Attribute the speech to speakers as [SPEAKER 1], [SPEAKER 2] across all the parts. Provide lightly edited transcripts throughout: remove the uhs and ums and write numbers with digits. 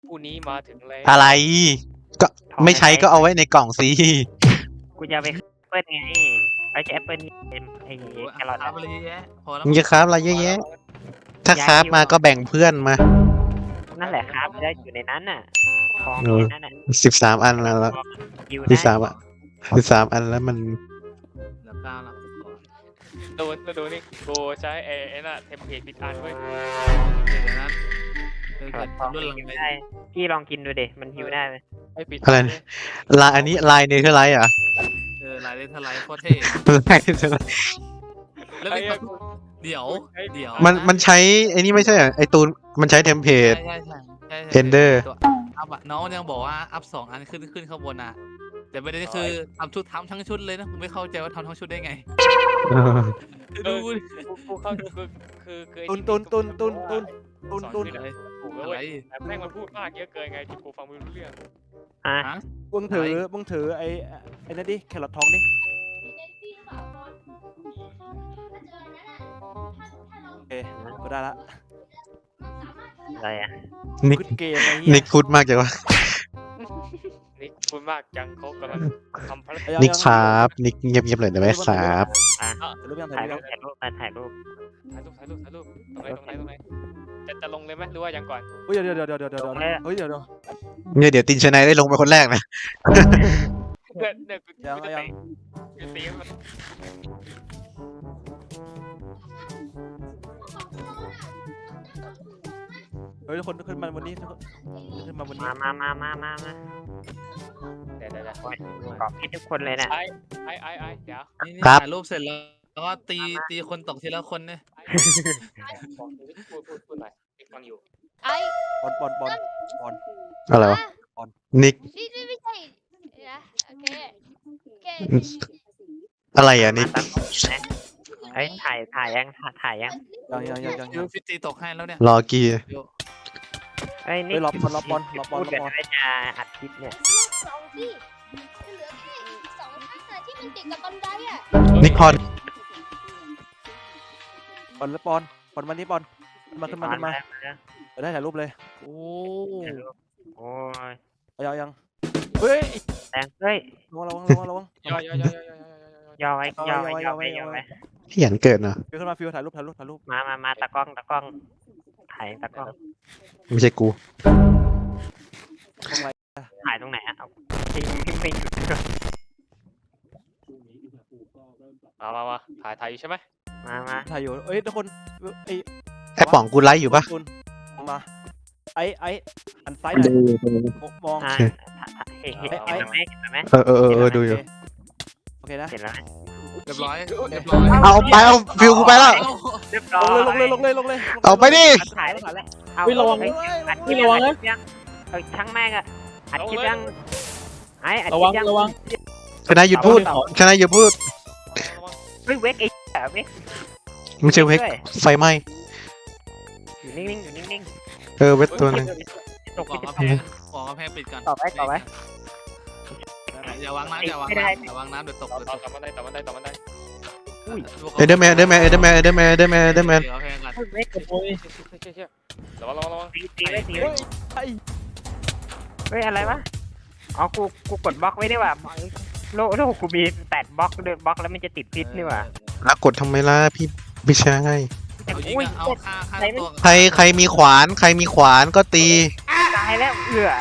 [SPEAKER 1] ผู้นี้มาถึงแล้ว
[SPEAKER 2] อะไรก็ไม่ใช้ก็เอาไว้ในกล่องสิ
[SPEAKER 3] กูจะไปแอปเปิลไงไอ้แอปเปิลไอ้แครอท
[SPEAKER 4] ครับอะไรแยะพอแล้ว
[SPEAKER 2] มึงจะคราฟอะไรเยอะแยะ ถ้าคราฟมาก็แบ่งเพื่อนมา
[SPEAKER 3] นั่นแหละครับได้อยู่ในนั้นน่ะของ
[SPEAKER 2] เออ
[SPEAKER 3] ในนั้นน่ะ
[SPEAKER 2] 13 อันแล้ว
[SPEAKER 3] ยิว
[SPEAKER 2] ที่
[SPEAKER 3] ได้
[SPEAKER 2] สามอ่ะ13 อันแล้วมัน
[SPEAKER 4] แล้วก้าวแล้ว
[SPEAKER 1] โดนนี่กูใช้ไอ้น่ะเทมเพลตปิดอันเว้ย
[SPEAKER 4] เดี๋ยวนั้นเป็น
[SPEAKER 3] แครอทท
[SPEAKER 4] ทำ
[SPEAKER 3] อง
[SPEAKER 4] รุ่นหลัง
[SPEAKER 3] ยิว
[SPEAKER 4] เลย
[SPEAKER 3] ได้พี่ลองกินดูดิมันยิวได้ไหม
[SPEAKER 1] ไอ้ปิด
[SPEAKER 2] อะไรนะ ลายอันนี้ลายเนเธอร์ไลท์อ่ะ
[SPEAKER 4] ลายเลทลายโคตรเท่
[SPEAKER 2] ลายเนเธอร์ไลท์
[SPEAKER 4] แล้ว
[SPEAKER 1] ไอ้
[SPEAKER 4] มีเดี๋ยว
[SPEAKER 2] มันใช้ไอ้นี่ไม่ใช่เหรอไอ้ตูนมันใช้เทมเพลต
[SPEAKER 4] ใช่
[SPEAKER 2] Ender
[SPEAKER 4] ตัวอัพอะน้องยังบอกว่าอัพ2 อันขึ้นข้างบนอะแต่ประเด็นคือทำทั้งชุดเลยนะผมไม่เข้าใจว่าทำทั้งชุดได้ไงดู
[SPEAKER 1] กูเข้าคือไอ้
[SPEAKER 5] ตุน
[SPEAKER 4] อะไร
[SPEAKER 1] ถูกแล้ว
[SPEAKER 4] อะไร
[SPEAKER 1] เว้ยแต่แม่งมันพูดมากเยอะเกินไงจนกูฟังไม่รู้เรื่อง
[SPEAKER 3] อ่ะ
[SPEAKER 4] ฮะ
[SPEAKER 5] มึงถือไอ้นั่นดิแครอททองดิโอเคก็ได้ละ
[SPEAKER 3] อะไรอ่ะ
[SPEAKER 2] นิก
[SPEAKER 5] ขึ้นเกมไอ้เหี้ย
[SPEAKER 2] นิกพูดมากจังวะ
[SPEAKER 1] นี่พูดมากจังเขากำลังทำภารกิจ
[SPEAKER 2] นิกครับนิกเงียบๆเลยได้ไหมครับ
[SPEAKER 5] รูปยัง
[SPEAKER 3] ถ่า
[SPEAKER 5] ถ่าย ย
[SPEAKER 3] รู
[SPEAKER 5] รู
[SPEAKER 3] ป
[SPEAKER 5] ป
[SPEAKER 3] ถ่ายรูป
[SPEAKER 1] ถ่ายรูปตรงไหนจะลงเลยไหมหรือว่ายังก่อน
[SPEAKER 5] เฮ้ยเดี๋ยวเฮ้ยเดี๋ยว
[SPEAKER 2] เนี่ยเดี๋ยวตินชนายได้ลงไปคนแรกนะ
[SPEAKER 1] เนี่ยกูจะตีมัน
[SPEAKER 5] เฮ้ยทุกคนขึ้นมาวันนี้ขึ้นมาวันนี้
[SPEAKER 3] มา
[SPEAKER 1] เดี๋ยว
[SPEAKER 3] ขอบพี่ทุกคนเลยนะ
[SPEAKER 1] ไอ้เดี๋ยว
[SPEAKER 4] นี่
[SPEAKER 2] ครับ
[SPEAKER 4] ถ่ายรูปเสร็จแล้วก็ตีคนตกทีละคนเนี่ย
[SPEAKER 1] พูดหน่อยฟังอยู่
[SPEAKER 6] ไอ้
[SPEAKER 5] บอล
[SPEAKER 2] อะไรวะนิก
[SPEAKER 6] นี่ไม่ใช่นะโอเคโอเค
[SPEAKER 2] อะไรอ่ะนิก
[SPEAKER 3] ไอ้ถ่ายยัง
[SPEAKER 5] ยัง
[SPEAKER 4] ยูฟิตีตกให้แล้วเนี่ย
[SPEAKER 2] รอกี
[SPEAKER 3] ไอ้นี่
[SPEAKER 5] เฮ้ยรอบอล
[SPEAKER 3] พูดกันไว้จะอัดคลิปเนี่ย
[SPEAKER 6] สองสิเหลือแค่อีก2 ข้างอะที่มันติดกับบันไดอ่ะ
[SPEAKER 2] นิกพร
[SPEAKER 5] บอลมานี่บอลมาขึ้นมาได้ถ่ายรูปเลย
[SPEAKER 4] โอ้
[SPEAKER 3] โอ้ย
[SPEAKER 5] เอายังเฮ้ย
[SPEAKER 3] แดงเฮ้ย
[SPEAKER 5] ระวัง
[SPEAKER 1] ย่อ
[SPEAKER 3] ย่อไว้
[SPEAKER 2] ขยันเกิดเนาะ
[SPEAKER 5] ฟิวขึ้นมาฟิวถ่ายรูป
[SPEAKER 3] มาตากล้องถ่ายตากล้อง
[SPEAKER 2] ไม่ใช่กู
[SPEAKER 3] ถ่ายตรงไหนอ่ะเอาทิ้ง
[SPEAKER 1] มาถ่ายอยู่ใช่ไหม
[SPEAKER 3] มา
[SPEAKER 5] ถ่ายอยู่เอ้ยทุกคนไอ้
[SPEAKER 2] ไอ้ป๋องกูไลฟ์อยู่ปะ
[SPEAKER 5] มาไอ้หันซ้ายหน่อยมอง
[SPEAKER 3] เห็นไหม
[SPEAKER 2] เออดูอยู่
[SPEAKER 5] โอเคนะ
[SPEAKER 3] เห็นแล้ว
[SPEAKER 4] เรียบร้อย
[SPEAKER 2] เอาไปเอาฟิวกูไปแล้ว
[SPEAKER 3] เรียบร้อย
[SPEAKER 5] ลงเลย
[SPEAKER 2] เอาไปดิ
[SPEAKER 3] ถ่ายแล้วเอา
[SPEAKER 5] ระวัง
[SPEAKER 3] อัดคลิประวังนะช่างแม่งอ่ะอัดคลิปยังไอ้อัดคลิปยัง
[SPEAKER 2] ชนะหยุดพูดชนะหยุดพูด
[SPEAKER 3] เฮ้ยเวกไอ้เวก
[SPEAKER 2] ไม่ใช่เวกไฟไหม้
[SPEAKER 3] อยู่นิ่ง
[SPEAKER 2] เวกตัวนึง
[SPEAKER 3] ตก
[SPEAKER 4] บอก
[SPEAKER 3] ที่
[SPEAKER 4] กำแพงบอกกำแพงปิดก่อน
[SPEAKER 3] ต่อไว้
[SPEAKER 4] อย่าวางน้ำอย่าวางน้ำอย่าวางน้ำเดี๋ยวตก
[SPEAKER 1] ต่อมันได้
[SPEAKER 2] เอเดอร์แมน
[SPEAKER 4] เดี๋ยวกำแพงกัน
[SPEAKER 3] เวก
[SPEAKER 1] ระวัง
[SPEAKER 3] ตีไว้เฮ้ยอะไรวะอ๋อกูกดบล็อกไว้ได้ว่ะโลกกูมี8 บล็อกเดินบล็อกแล้วมันจะติดพิษนี่ว่ะ
[SPEAKER 2] แล้วกดทำไมล่ะพี่ไม่ใช่
[SPEAKER 4] เอายิงเอาฆ่าตัว
[SPEAKER 2] ใครมีขวานก็ตี
[SPEAKER 3] ตายแล้ว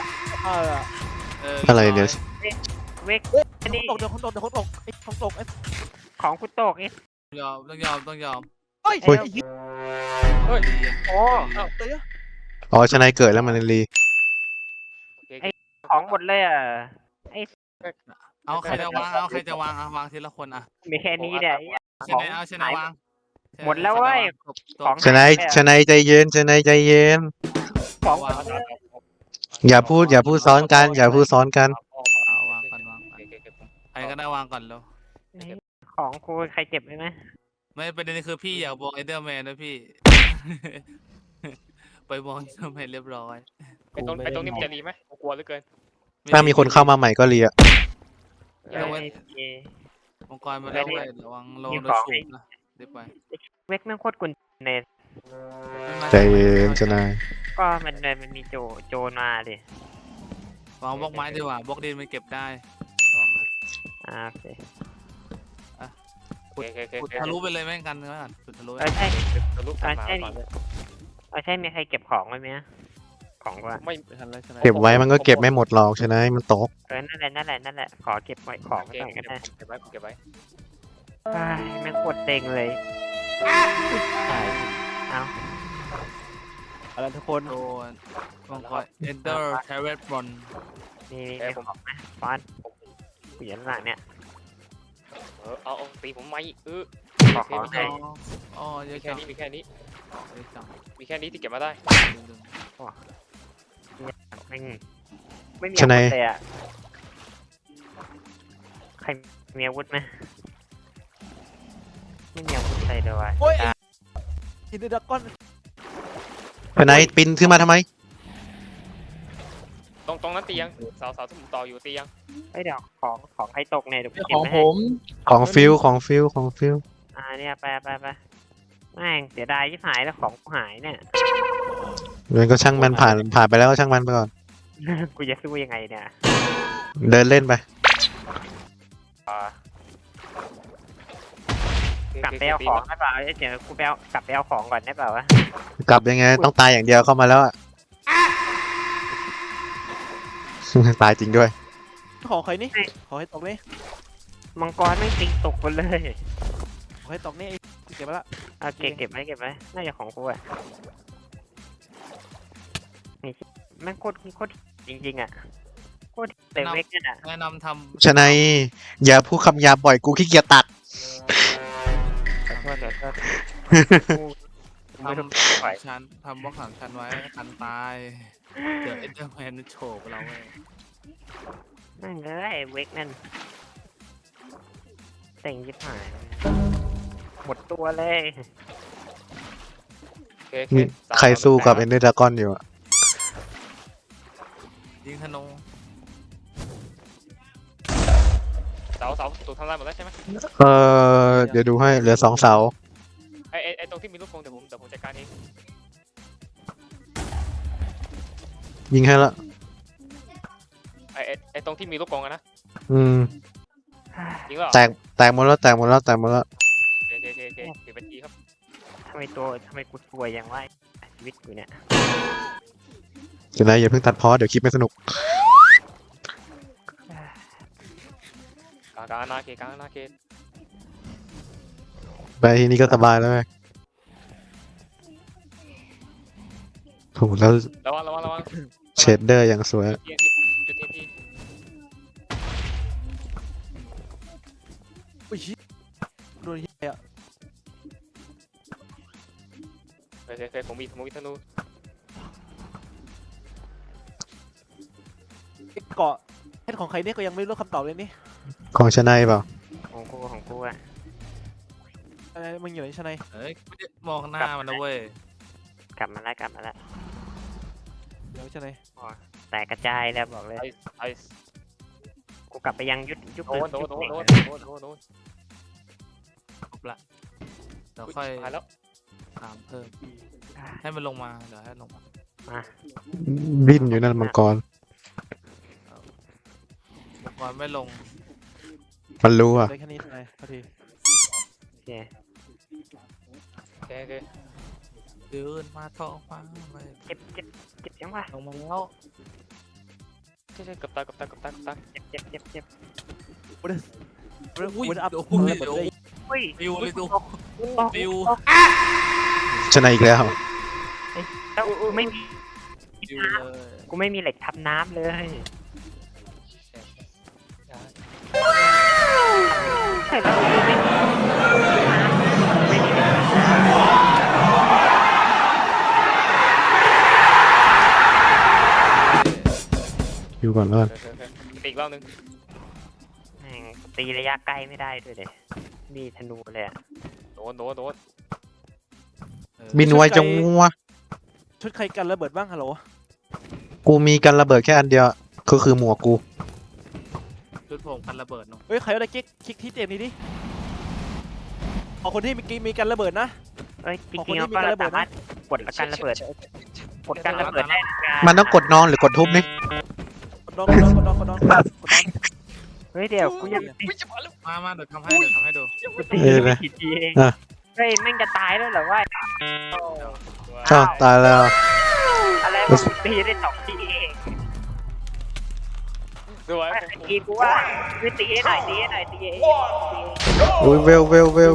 [SPEAKER 2] อะไรเดี๋ยว
[SPEAKER 3] เวก
[SPEAKER 5] เดี๋ยวคนตก
[SPEAKER 3] ของกูตกไอ้
[SPEAKER 4] ต้องยอม
[SPEAKER 5] เฮ้ย
[SPEAKER 3] โอ้
[SPEAKER 2] อ๋อชนะเกิดแล้วมันรี
[SPEAKER 3] ของหมดเลยอ่ะ
[SPEAKER 4] เอาใครจะวางวางทีละคนอ่ะ
[SPEAKER 3] มีแค่นี้เนี่ย
[SPEAKER 4] ชนะวาง
[SPEAKER 3] หมดแล้วเว้ยของ
[SPEAKER 2] ชนะใจเย็น
[SPEAKER 3] ของ
[SPEAKER 2] อย่าพูดซ้อนกัน
[SPEAKER 4] เอาวางก่อนใครก็ได้วางก่อนแล้ว
[SPEAKER 3] ของกูใครเจ็บไหม
[SPEAKER 4] ไม่ประเด็นคือพี่อยากบอกเอเดอร์แมนนะพี่ ไปบอกเอเดอร์แมนเรียบร้อย
[SPEAKER 1] ไอ้ตรงนี้มันจะรีไหมกลัวเหลือเกิน
[SPEAKER 2] ถ้ามีคนเข้ามาใหม่ก็เรีย
[SPEAKER 4] มังกรมาแล้วเว้ยระวังโดนสูบนะเดี๋ยวไป
[SPEAKER 3] เวกแม่งโคตรกุนเนส
[SPEAKER 2] ใจเย็นชนะ
[SPEAKER 3] กก็มันมีโจรมาดิ
[SPEAKER 4] วางบล็อกไม้ดีกว่าบล็อกดินมันเก็บได้ระวังนะ
[SPEAKER 3] โอเค
[SPEAKER 1] โอเคโอเค
[SPEAKER 4] ขุดทะลุไปเลยแม่งกันก็ได้ขุดทะลุ
[SPEAKER 3] ใช่
[SPEAKER 1] ทะลุกลับมาก่อนเลย
[SPEAKER 3] ใช่มีใครเก็บของไว้ไหมของว่า
[SPEAKER 1] ไม่
[SPEAKER 5] ไม่ทันแล้วใช่ไหม
[SPEAKER 2] เก็บไว้มันก็เก็บไม่หมดหรอกใช่ไหมมันตก
[SPEAKER 3] นั่นแหละขอเก็บไว้ของ
[SPEAKER 1] โอ
[SPEAKER 3] ไว้
[SPEAKER 1] เค
[SPEAKER 3] ก่อนก็ได้
[SPEAKER 1] เก็บไว้เก็บไว้
[SPEAKER 3] แม่งปวดเต็งเลยเอา
[SPEAKER 5] อะไรทุกคน
[SPEAKER 4] โดนมังกร enter terrace bron
[SPEAKER 3] มีของนะฟอนกูอยู่ข้างหลังเนี่ย
[SPEAKER 1] เอาตีผมไม่
[SPEAKER 3] ขอ
[SPEAKER 1] โอเค
[SPEAKER 3] ของ
[SPEAKER 1] มี
[SPEAKER 3] ให้
[SPEAKER 4] อ๋อเย
[SPEAKER 1] มี
[SPEAKER 4] อะ
[SPEAKER 1] แค่
[SPEAKER 4] จัง
[SPEAKER 1] นี้มีแค่นี้
[SPEAKER 4] เยอะจัง
[SPEAKER 1] มีแค่นี้ที่เก็บมาได้
[SPEAKER 3] ไม่มีอาวุธเลยอ่ะใครมีอาวุธไหมไม่มีอาวุธอะไรเลยว่ะ
[SPEAKER 5] โอ้ยอินเดอร์ดักก้อน
[SPEAKER 2] ทนายปินขึ้นมาทำไม
[SPEAKER 1] ตรงนั้นตียังเสาที่ผมต่ออยู่ตียัง
[SPEAKER 3] ไอ้เดี๋ยวของใครตกเนี่ยเดี๋ยวกู
[SPEAKER 4] ข
[SPEAKER 3] เก็บ
[SPEAKER 4] อง
[SPEAKER 3] ไว้
[SPEAKER 4] ผ
[SPEAKER 3] ให้
[SPEAKER 4] ม
[SPEAKER 2] ของฟิลของฟิลของฟิล
[SPEAKER 3] เนี่ยไปแม่งเสียดายที่หายแล้วของกูหายเนี่ย
[SPEAKER 2] เรื่องก็ช่างมันผ่านไปแล้วก็ช่างมันไปก่อน
[SPEAKER 3] กูจะสู้ยังไงเนี่ย
[SPEAKER 2] เดินเล่นไป
[SPEAKER 3] กลับไปเอาของได้เปล่าเดี๋ยวกูไปเอากลับไปเอาของก่อนได้เปล่าวะ
[SPEAKER 2] กลับยังไงต้องตายอย่างเดียวเข้ามาแล้วอะ ตายจริงด้วย
[SPEAKER 5] ของใครนี่ขอให้ตกนี่
[SPEAKER 3] มังกรไม่งติงตกหมดเลย
[SPEAKER 5] ขอให้ตกนี่เก็บไปละ
[SPEAKER 3] เอาเก็บไว้น่าจะของกูอ่ะนี่แม่งโคตรจริงๆอ่ะโคตรเต็มเวกเนี่ยอ่ะ
[SPEAKER 4] แนะนำท
[SPEAKER 2] ชนายอย่าพูดคำหยาบบ่อยกูขี้เกียจตัด
[SPEAKER 3] ขอโทษกูไม่ต้องไหว
[SPEAKER 4] ำชั้นทำบล็อก3 ชั้นไว้กันตายเดี๋ยวเอ็นเดอร์แมนโฉบเราเว้ย
[SPEAKER 3] นั่นเลยเวกนั่นเต็งยิบหายหมดตัวเลย
[SPEAKER 2] ใครสู้กับเอนเดอร์ดากอนอยู่อะ
[SPEAKER 4] ยิงธนู
[SPEAKER 1] เสาถูกทำลายหมดแล้วใช่ไหม
[SPEAKER 2] เดี๋ยวดูให้เหลือ2 เสา
[SPEAKER 1] ไอตรงที่มีลูกกรงเดี๋ยวผมจัดการเอง
[SPEAKER 2] ยิงให้ละ
[SPEAKER 1] ไอตรงที่มีลูกกรงอะนะ
[SPEAKER 2] อืม
[SPEAKER 1] ยิงแล้ว
[SPEAKER 2] แตกหมดแล้ว
[SPEAKER 1] โอเคเป็นทีครับ
[SPEAKER 3] ทำไมกูสวยอย่างวะชีวิตกูเนี่ย
[SPEAKER 2] เดี๋ยวนะอย่าเพิ่งตัดพอเดี๋ยวคลิปไม่สนุก
[SPEAKER 1] กลางอาณาเขต
[SPEAKER 2] ไปที่นี่ก็สบายแล้วไงโหแล้ว
[SPEAKER 1] ระวัง
[SPEAKER 2] เชดเดอร์อย่างสวย
[SPEAKER 1] จุดเทียนที่
[SPEAKER 5] อุ้ยโดนเหี้ย
[SPEAKER 1] เคยผมมีธนู
[SPEAKER 5] เกาะเฮ็ดของใครนี่ก็ยังไม่รู้คำตอบเลยนี่
[SPEAKER 2] ของชนายเปล่า
[SPEAKER 3] ของกูอ่ะ
[SPEAKER 5] อะไรมึงอยู่ไหนชนาย
[SPEAKER 4] เฮ้ยไม่ได้มองหน้ามันนะเว้ย
[SPEAKER 3] กลับมาแล้ว
[SPEAKER 5] เดี๋ยวชนาย
[SPEAKER 3] แตกกระจายแล้วบอกเลย
[SPEAKER 1] ไอ
[SPEAKER 3] กูกลับไปยังยุค
[SPEAKER 1] โดน
[SPEAKER 3] ยุค
[SPEAKER 1] ครบ
[SPEAKER 4] ละเดี๋ยวค่อย
[SPEAKER 1] หายแล้ว
[SPEAKER 4] ถามเพิ่มให้มันลงมาเดี๋ยวให้ลงมา
[SPEAKER 2] บินอยู่นั่นมังกร
[SPEAKER 4] มังกรไม่ลง
[SPEAKER 2] มันรู้อ่ะ
[SPEAKER 5] ได้แค่นี้ชนายพอดี
[SPEAKER 3] โอเค
[SPEAKER 1] โอเค
[SPEAKER 4] เดินมาท้องฟ้าเลย
[SPEAKER 3] เจ็บยังวะ
[SPEAKER 4] ลงมาแล้ว
[SPEAKER 1] ใช่กับตา
[SPEAKER 3] เจ็บ
[SPEAKER 4] อุ้ย
[SPEAKER 5] วันอัพ
[SPEAKER 4] โอ้
[SPEAKER 5] เปิ
[SPEAKER 4] ย
[SPEAKER 5] ดเลย
[SPEAKER 3] อุ้ย
[SPEAKER 4] ปิวเลยดูปิว
[SPEAKER 2] ชนายอีกแล้ว
[SPEAKER 3] แล้วกูไม่มี
[SPEAKER 4] ปิวเลย
[SPEAKER 3] กูไม่มีเหล็กทับน้ำเลยใช่แล้วกูไม่มีเหล็กทับน้ำ
[SPEAKER 2] อยู่ก่อนแล้วกัน
[SPEAKER 1] ตีอีกรอบนึง
[SPEAKER 3] แม่งตีระยะใกล้ไม่ได้ด้วยเด็มีธนูเลยอ่ะ
[SPEAKER 1] โดน
[SPEAKER 2] บินไวจังวะ
[SPEAKER 5] ชุดใครกันระเบิดบ้างฮัลโหล
[SPEAKER 2] กูมีกันระเบิดแค่อันเดียวก็คือหมวกกู
[SPEAKER 4] ชุดผมกันระเบิดเนาะ
[SPEAKER 5] เฮ้ยใครเอาได้คลิกที่เจมนี้ดิเอาคนที่มีกันระเบิดนะ
[SPEAKER 3] เอ้ยจ
[SPEAKER 5] ของค
[SPEAKER 3] ริ
[SPEAKER 5] น
[SPEAKER 3] ง
[SPEAKER 5] ที่
[SPEAKER 3] ๆเรา
[SPEAKER 5] มี
[SPEAKER 3] ก็
[SPEAKER 5] การระเบิด
[SPEAKER 3] สามารถกดละกันระเบิดกดกันระเบิดได้นะ
[SPEAKER 2] มันต้องกดนอนหรือกดทุบนี่
[SPEAKER 5] กดดองกดดองกดดองกดดองกดดอง
[SPEAKER 3] เฮ้ยเดี๋ยวกูยังตี
[SPEAKER 4] มาเดี๋ยวทำให้ดู
[SPEAKER 3] กูตีไม่กี่ทีเองเฮ้ยแม่งจะตายแล้วเหรอวะ
[SPEAKER 2] อ้าวตายแล้ว
[SPEAKER 3] อะไรวะกูตีได้2 ทีเอง
[SPEAKER 1] สวย
[SPEAKER 3] ว่าตีกูว่าไม่ตีให้หน่อยตีให้หน่อยตีให้
[SPEAKER 2] อุ้ยเวล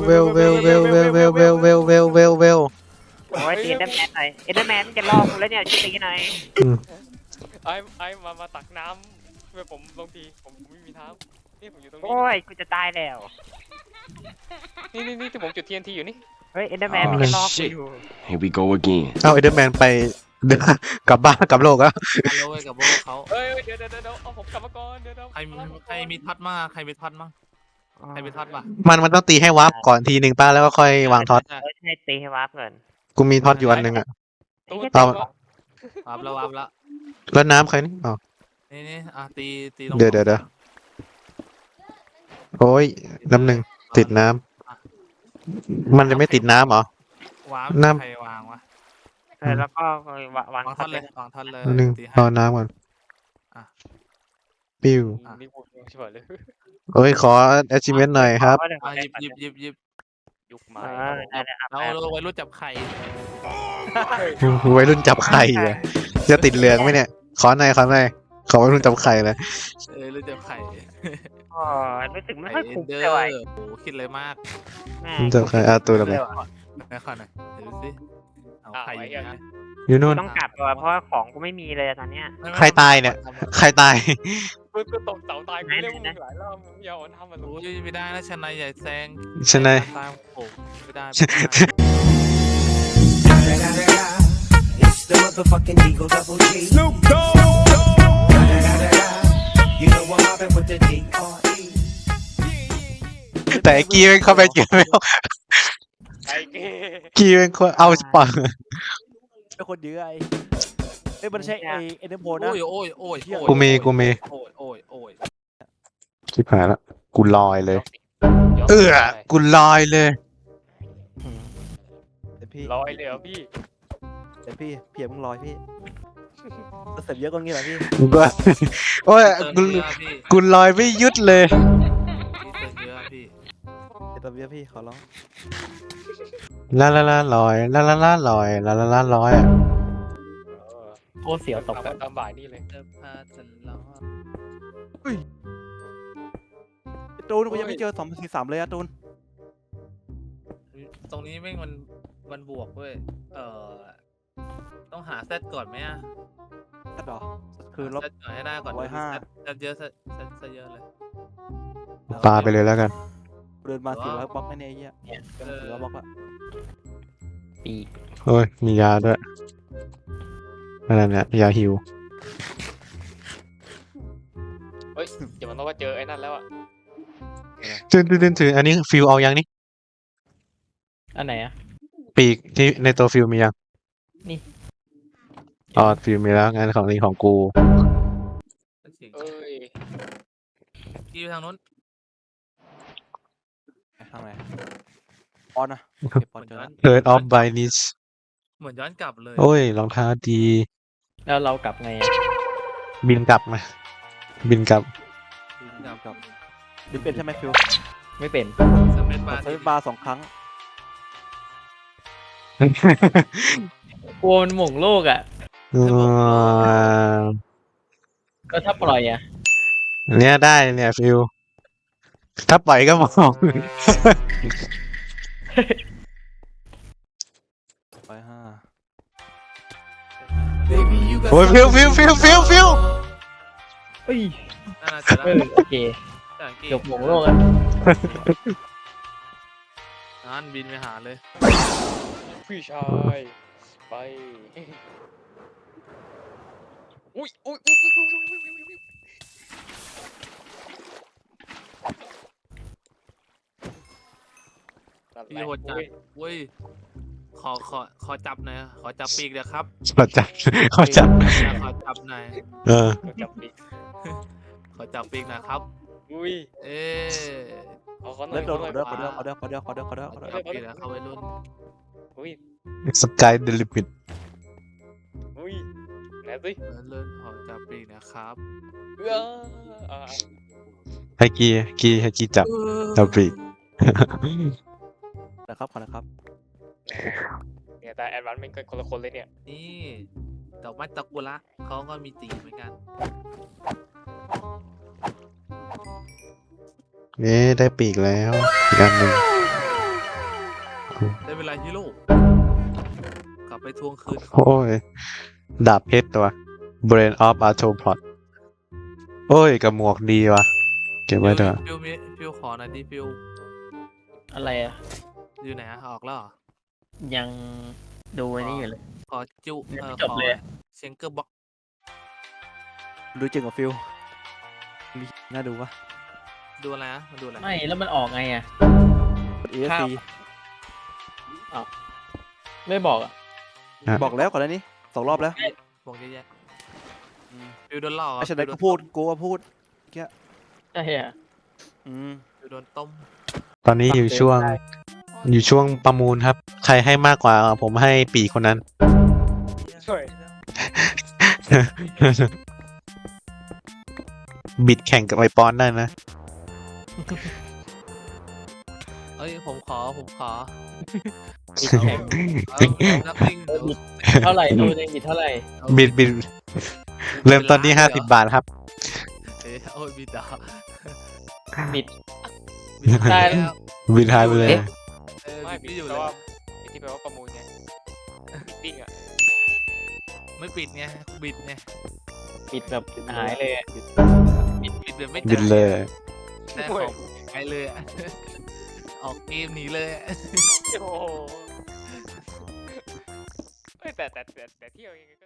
[SPEAKER 3] โอ้ยตีเอ็นเดอร์แมนหน่อยเอ็นเดอร์แมนจะล่อกูแล้วเนี่ยช่วยตีหน่อย
[SPEAKER 1] ไอ้มาตักน้ำช่วยผมลงทีผมไม่มีเท้านี่ผมอยู่ตรงนี้
[SPEAKER 3] โอ้ยกูจะตายแล้ว
[SPEAKER 1] นี่ที่ผมจุด TNT อยู่นี่
[SPEAKER 3] เฮ้ยเอ็นเดอร์แมนมันจะล่อกูอยู่
[SPEAKER 7] Here we go again.
[SPEAKER 2] เอาเอเดอร์แมนไปเดินกลับบ้านกลับโลกแล้ว
[SPEAKER 4] ฮัลโหลกับโบเขา
[SPEAKER 1] เฮ้ยเดี๋ยวเอาผมกลับมาก่อนเดี๋ยว
[SPEAKER 4] ใครมีท็อตมั่งใครมีท็อตมั่งใครมีท็อตป่ะ
[SPEAKER 2] มันต้องตีให้วาร์ปก่อนทีหนึ่งป้าแล้วก็ค่อยวางท็อต
[SPEAKER 3] เฮ้ยให้ตีให้วาร์ปก่อน
[SPEAKER 2] กูมีท็อตอยู่อันหนึ่งอะ
[SPEAKER 1] ตู้
[SPEAKER 2] เอา
[SPEAKER 4] วับแล้ว
[SPEAKER 2] แล้วน้ำใครนี่อ๋อ
[SPEAKER 4] นี่ตี
[SPEAKER 2] เดี๋ยวโอ้ยน้ำหนึ่งติดน้ำมันจะไม่ติดน้ำเหรอ
[SPEAKER 4] วาง
[SPEAKER 2] น้ำ
[SPEAKER 4] ใครวางวะ
[SPEAKER 3] แล้วก็วาง
[SPEAKER 4] วางท็อตเลยวางท็อตเลย
[SPEAKER 2] น้ำหนึ่ง
[SPEAKER 4] ตีให้
[SPEAKER 2] เอาน้ำก่อนปิ้ว
[SPEAKER 1] นี่พูดเฉยเลย
[SPEAKER 2] โอ้ยขอ achievement หน่อยครับ
[SPEAKER 4] หยิบ
[SPEAKER 1] ยุคใหม่
[SPEAKER 4] เราไว้รู้จับไข่
[SPEAKER 2] วัยรุ่นจับไข่อะจะติดเหลืองไหมเนี่ยขอหน่อยขอวัยรุ่นจับไข่เลย
[SPEAKER 4] รู้จับไข่
[SPEAKER 3] อ๋อรู้สึกไม่ค่อยคุ้ม
[SPEAKER 4] เดอ
[SPEAKER 3] เลยว่ะ
[SPEAKER 4] โอ้คิดเลยมาก
[SPEAKER 2] รุ่นจับไข่ตัวละไป
[SPEAKER 4] ไม่ค่อยหน่อยดูสิเอาไข่อย่างนี้
[SPEAKER 2] อยู่นู่น
[SPEAKER 3] ต้องกลับตัวเพราะว่าของกูไม่มีเลยตอนเนี้ย
[SPEAKER 2] ใครตายเนี่ย ใครตาย
[SPEAKER 1] มึงก็ตกเสาตายกูเรียกมึงหลายรอบมึงอย่าอ่อนทำมัน
[SPEAKER 4] โอ้ยไม่ได้นะชนายใหญ่แซง
[SPEAKER 2] ชนาย
[SPEAKER 4] ตามผมไม่ได้
[SPEAKER 8] It's the motherfucking Eagle Double G. Snoop Dogg. You know I'm mobbing with the D.R.E.
[SPEAKER 2] แต่ไอ้กี้มันเข้าไปเกี่ยวไม่เอา
[SPEAKER 1] ไอ้เก้
[SPEAKER 2] กี้มันคนเอาสปอร์
[SPEAKER 5] เป็นคนเยอะเอ้ยมันใช่ไอเอ็นเดอร์โพนะ
[SPEAKER 4] โอ้ย
[SPEAKER 2] กูมี
[SPEAKER 4] โอ้ย
[SPEAKER 2] ชิบหายละกูลอยเลย กูลอยเลย
[SPEAKER 5] เดี๋ยวพี่
[SPEAKER 1] ลอยเลยเหรอพี่
[SPEAKER 5] เดี๋ยวพี่เพียมึงลอยพี่เสร็จเยอะกว่างี้เหรอพี่
[SPEAKER 2] กูโอ้ยกูลอยไม่หยุดเลย
[SPEAKER 5] เดี๋ยวตัวเยอะพี่ขอร้อง
[SPEAKER 2] ลาลอยลาลอยลอยอะ
[SPEAKER 1] โคตรเสียวตกตามบ่ายนี่เลย
[SPEAKER 5] ตูนกูยังไม่เจอ2043เลยอะตูน
[SPEAKER 4] ตรงนี้แม่งมันบวกเว้ยต้องหาเซตก่อนไหมอ่ะ
[SPEAKER 5] ตัดหรอคือลบ
[SPEAKER 4] เซตก่อนให้ได้ก่อน
[SPEAKER 5] 105
[SPEAKER 4] เซตเยอะเซตเยอะเลย
[SPEAKER 2] ปาไปเลยแล้วกัน
[SPEAKER 5] เดินมา400บล็อกไม่แน่ไอ้เหี้ยเดิน400บล็อกละ
[SPEAKER 2] โอ้ยมียาด้วยอะไรเนี่ยยาฮิว
[SPEAKER 1] เฮ้ยเดี๋ยวมันต้องว่าเจอไอ้นั่นแล้วอ่ะ
[SPEAKER 2] ถืออันนี้ฟิลเอายังนี่
[SPEAKER 9] อันไหนอ่ะ
[SPEAKER 2] ปีกที่ในตัวฟิลมียัง
[SPEAKER 9] นี่
[SPEAKER 2] อ๋อฟิลมีแล้วงานของนี้ของกู
[SPEAKER 1] เอ้ย
[SPEAKER 4] ที่ทางนู้น
[SPEAKER 5] ทางไหนออนนะเก็บออนเจอแล้ว
[SPEAKER 2] Third of by niche
[SPEAKER 4] เหมือนย้อนกลับเลย
[SPEAKER 2] โอ้ยรองเท้าดี
[SPEAKER 9] แล้วเรากลับไงอะ
[SPEAKER 2] บินกลับมา บินกลับ
[SPEAKER 5] กับดิเป็นใช่ไหมฟิว
[SPEAKER 9] ไม่เป็น
[SPEAKER 4] สเปซบาร์
[SPEAKER 5] ใช้บาร์2 ครั้ง
[SPEAKER 9] กลัวมันหม่งโลกอ่ะ ก็ถ้าปล่อยอ่ะ
[SPEAKER 2] เนี่ยได้เนี่ยฟิลถ้าปล่อยก็มอง
[SPEAKER 5] ไป5
[SPEAKER 8] Baby, you got
[SPEAKER 2] โอ้ยฟิล
[SPEAKER 9] เอ้ย
[SPEAKER 4] น่าจะ
[SPEAKER 9] โอเคจบหม่งโลกอ่ะ
[SPEAKER 4] นั่นบินไปหาเลย
[SPEAKER 1] พี่ชายไปอุ้ย
[SPEAKER 4] พี่โหดจัดเว้ยขอจับหน่อยขอจับปีกเดี๋ยวครับ
[SPEAKER 2] ขอจับ
[SPEAKER 4] ขอจับหน่อย
[SPEAKER 2] เออ
[SPEAKER 1] จับปีก
[SPEAKER 4] ขอจับปีกนะครับ
[SPEAKER 1] อุ้ย
[SPEAKER 4] เอ๊ะ
[SPEAKER 1] เอาเขาหน่อ
[SPEAKER 5] เลิ
[SPEAKER 1] ย
[SPEAKER 5] กโดน
[SPEAKER 1] เขาหน่อย
[SPEAKER 5] ขอเด้อ
[SPEAKER 4] จับปีกแล้วเข้าไปรุ่น
[SPEAKER 1] อุ้ย
[SPEAKER 2] สกายเดลิมิต
[SPEAKER 1] อุ้ยอุ้ยไหนสิ
[SPEAKER 4] เลื่อนออกจากปีกนะครับ
[SPEAKER 1] อ่า
[SPEAKER 2] ให้กีจับจับปีก
[SPEAKER 5] นะครับขอนะครับ
[SPEAKER 1] เนี่ยแต่แอดวานซ์มันก็คนละคนเลยเนี่ย
[SPEAKER 4] นี่ดอกไม้ตะกุระเขาก็มีตีเหมือนกัน
[SPEAKER 2] นี่ได้ปีกแล้วอีกอันหนึ่ง
[SPEAKER 4] ได้เวลาฮีโร่กลับไปทวงคืนเขา
[SPEAKER 2] โอ้ยดาบเพชรตัว Brain of Arthropod โอ้ยกับหมวกดีว่ะเก็บไว้เถอะ
[SPEAKER 4] ฟิวขอหน่อยดิฟิว
[SPEAKER 9] อะไรอ่ะ
[SPEAKER 4] อยู่ไหนอะออกแล้วเหรอ
[SPEAKER 9] ยังดูไอ้นี่อยู่เลย
[SPEAKER 4] ขอจุ
[SPEAKER 9] ยังไม่จบเลยอะ
[SPEAKER 4] เซงเกอร์บ็อก
[SPEAKER 5] ดูจริงกับฟิลน่าดูวะ
[SPEAKER 4] ดูอะไรนะมาดูอะไร
[SPEAKER 9] ไม่แล้วมันออกไงอ่ะ
[SPEAKER 5] กด ESC
[SPEAKER 9] ไม่บอกอ่ะ
[SPEAKER 5] บอกแล้วก่อนหน้านี้2 รอบแล้ว
[SPEAKER 4] วงเยอะแยะฟิวโดนหลอก
[SPEAKER 5] ไอ้ฉันได้ก็พูดกูก็พูด
[SPEAKER 9] ใช่อ่ะ
[SPEAKER 4] ฟิวโดนต้ม
[SPEAKER 2] ตอนนี้อยู่ช่วงประมูลครับ ใครให้มากกว่าผมให้ปีกคนนั้น
[SPEAKER 1] ช่วย
[SPEAKER 2] บิดแข่งกับไอปอนได้นะ
[SPEAKER 4] เอ้ยผมขอ
[SPEAKER 9] บิดแข่ง
[SPEAKER 4] นับลิง
[SPEAKER 9] เท่าไหร่ดูในบิดเท่าไหร่
[SPEAKER 2] บิดเริ่มต้นที่50 บาทครับ
[SPEAKER 4] โอ้ยบิดอ่ะ
[SPEAKER 9] บิด
[SPEAKER 4] บิด
[SPEAKER 9] ได้
[SPEAKER 4] แล้ว
[SPEAKER 2] บิดหายไปเลย
[SPEAKER 1] ไม่
[SPEAKER 4] บิ
[SPEAKER 1] ปิ
[SPEAKER 4] ด
[SPEAKER 1] ด
[SPEAKER 4] อยู่
[SPEAKER 1] แปล
[SPEAKER 4] เลย
[SPEAKER 1] ว่าที่แปลว่าประมูลไงปิ้งอ่ะ
[SPEAKER 4] ไม่ปิดไงบิดไง
[SPEAKER 9] บิดแบบหายเลยอะ
[SPEAKER 4] บิดแบบไม่
[SPEAKER 2] บิดเลย
[SPEAKER 4] ได้ของไปเลยอะออกเกมหนีเลยอะ
[SPEAKER 1] โอ้โหเฮ้ยแต่เที่ยวยังไงก็